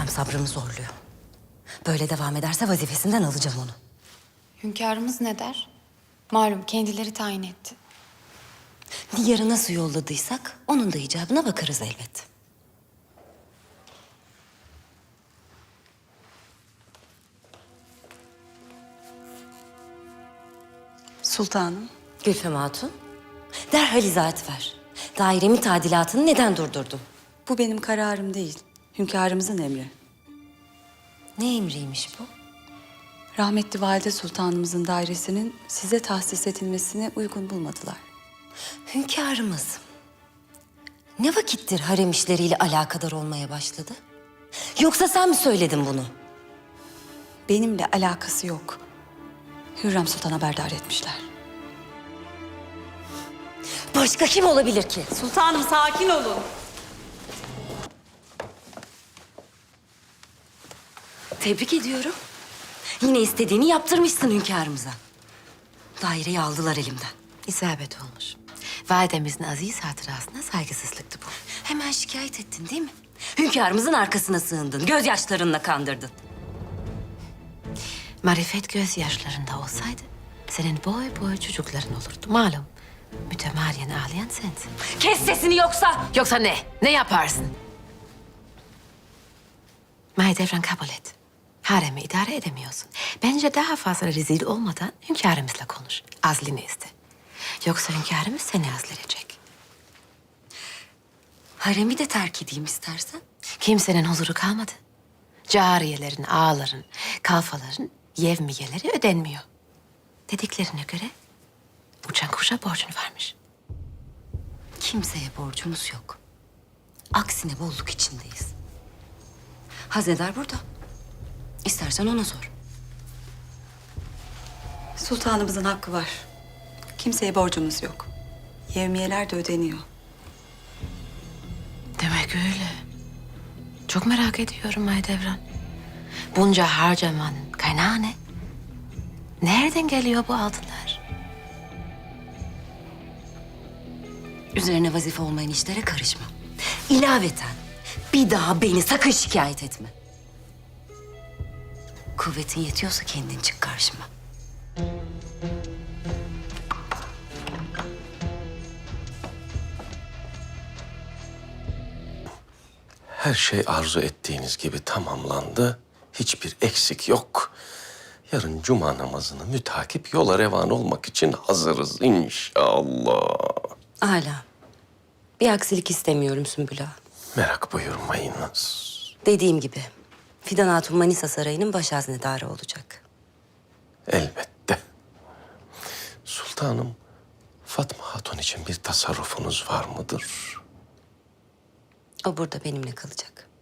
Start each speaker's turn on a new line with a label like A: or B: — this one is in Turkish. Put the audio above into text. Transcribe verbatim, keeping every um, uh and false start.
A: Hürrem sabrımı zorluyor. Böyle devam ederse vazifesinden alacağım onu.
B: Hünkârımız ne der? Malum kendileri tayin etti.
A: Diyarı nasıl yolladıysak onun da icabına bakarız elbet.
C: Sultanım,
A: Gülfem Hatun, derhal izahat ver. Dairemi tadilatını neden durdurdun?
C: bu benim kararım değil. Hünkârımızın emri.
A: Ne emriymiş bu?
C: Rahmetli Valide Sultanımızın dairesinin size tahsis edilmesini uygun bulmadılar.
A: Hünkârımız ne vakittir harem işleriyle alakadar olmaya başladı? Yoksa sen mi söyledin bunu?
C: Benimle alakası yok. Hürrem Sultan haberdar etmişler.
A: Başka kim olabilir ki?
C: Sultanım sakin olun.
A: Tebrik ediyorum. Yine istediğini yaptırmışsın hünkârımıza. Daireyi aldılar elimden.
D: İsabet olmuş. Validemizin aziz hatırasına saygısızlıktı bu.
A: Hemen şikayet ettin değil mi? Hünkârımızın arkasına sığındın, gözyaşlarınla kandırdın.
D: Marifet gözyaşlarında olsaydı senin boy boy çocukların olurdu. Malum mütemadiyen ağlayan sensin.
A: Kes sesini yoksa!
D: Yoksa ne? Ne yaparsın? Mahidevran kabul et. Haremi idare edemiyorsun. Bence daha fazla rezil olmadan hünkârımızla konuş. Azlini iste. Yoksa hünkârımız seni azledecek.
A: Haremi de terk edeyim istersen.
D: Kimsenin huzuru kalmadı. Cariyelerin, ağaların, kalfaların yevmiyeleri ödenmiyor. Dediklerine göre uçan kuşa borcun varmış.
A: Kimseye borcumuz yok. Aksine bolluk içindeyiz. Haznedar burada. İstersen ona sor.
C: Sultanımızın hakkı var. Kimseye borcumuz yok. Yevmiyeler de ödeniyor.
D: Demek öyle. Çok merak ediyorum Mahidevran. Bunca harcamanın kaynağı ne? Nereden geliyor bu altınlar?
A: Üzerine vazife olmayan işlere karışma. İlaveten bir daha beni sakın şikayet etme. Kuvvetin yetiyorsa kendin çık karşıma.
E: Her şey arzu ettiğiniz gibi tamamlandı. Hiçbir eksik yok. Yarın cuma namazını mütakip yola revan olmak için hazırız inşallah.
A: Hala. Bir aksilik istemiyorum Sümbül Ağa.
E: Merak buyurmayınız.
A: Dediğim gibi Fidan Hatun Manisa Sarayı'nın baş haznedarı olacak.
E: Elbette. Sultanım, Fatma Hatun için bir tasarrufunuz var mıdır?
A: O burada benimle kalacak.